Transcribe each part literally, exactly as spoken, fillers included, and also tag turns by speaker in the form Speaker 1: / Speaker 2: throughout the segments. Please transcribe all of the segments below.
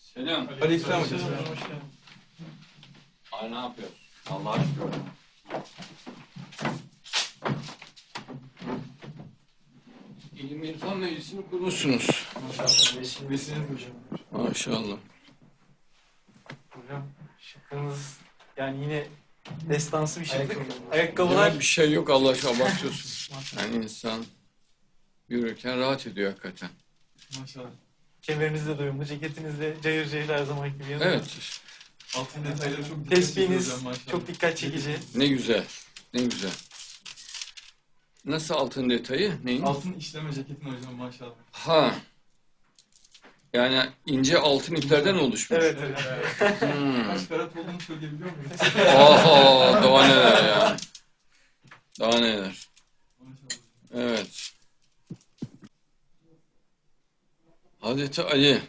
Speaker 1: Selam.
Speaker 2: Aleykümselam hocam.
Speaker 1: Ay ne yapıyorsun? Allah'a şükür. İlim İrfan Meclisi'ni kurmuşsunuz.
Speaker 2: Maşallah. Vesiniz hocam.
Speaker 1: Maşallah.
Speaker 2: Hocam şıkkınız yani yine destansı bir şıklık.
Speaker 1: Ya
Speaker 2: Ayakkabılar.
Speaker 1: bir şey yok, Allah aşkına abartıyorsun. Yani insan yürürken rahat ediyor hakikaten.
Speaker 2: Maşallah. Kemeriniz de doyumlu, ceketiniz de cayır cayır her zamanki gibi yanında.
Speaker 1: Evet.
Speaker 3: Altın detayları çok dikkat
Speaker 2: Tespihiniz
Speaker 3: çekiyor hocam, maşallah.
Speaker 2: çok dikkat çekici.
Speaker 1: Ne güzel. Ne güzel. Nasıl altın detayı? Neyin?
Speaker 3: Altın işleme ceketin hocam maşallah.
Speaker 1: Ha. Yani ince altın iplerden oluşmuş.
Speaker 2: Evet hocam.
Speaker 1: Hmm.
Speaker 3: Kaç karat olduğunu söyleyebiliyor muyuz?
Speaker 1: Oho, daha neler ya. Daha neler.
Speaker 3: Maşallah.
Speaker 1: Evet. Hazreti Ali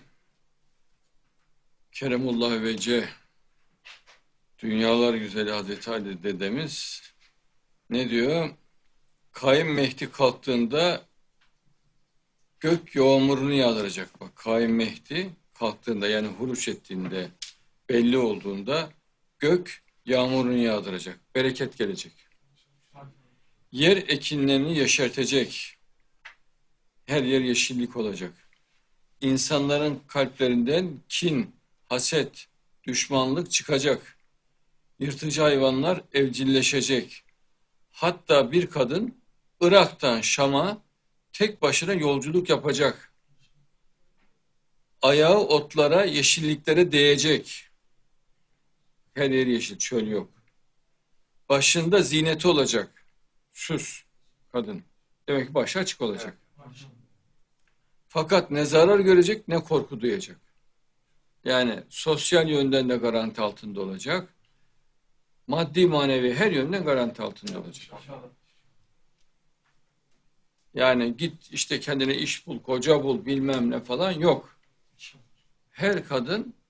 Speaker 1: Keremullah Vece, dünyalar güzeli Hazreti Ali dedemiz ne diyor? Kaim Mehdi kalktığında gök yağmurunu yağdıracak. Bak, Kaim Mehdi kalktığında, yani huruç ettiğinde, belli olduğunda gök yağmurunu yağdıracak. Bereket gelecek. Yer ekinlerini yeşertecek. Her yer yeşillik olacak. İnsanların kalplerinden kin, haset, düşmanlık çıkacak. Yırtıcı hayvanlar evcilleşecek. Hatta bir kadın Irak'tan Şam'a tek başına yolculuk yapacak. Ayağı otlara, yeşilliklere değecek. Her yer yeşil, çöl yok. Başında ziyneti olacak. Süs kadın. Demek ki başı açık olacak.
Speaker 3: Maşallah.
Speaker 1: Fakat ne zarar görecek ne korku duyacak. Yani sosyal yönden de garanti altında olacak. Maddi manevi her yönden garanti altında olacak.
Speaker 3: Maşallah.
Speaker 1: Yani git işte kendine iş bul, koca bul, bilmem ne falan yok. Her kadın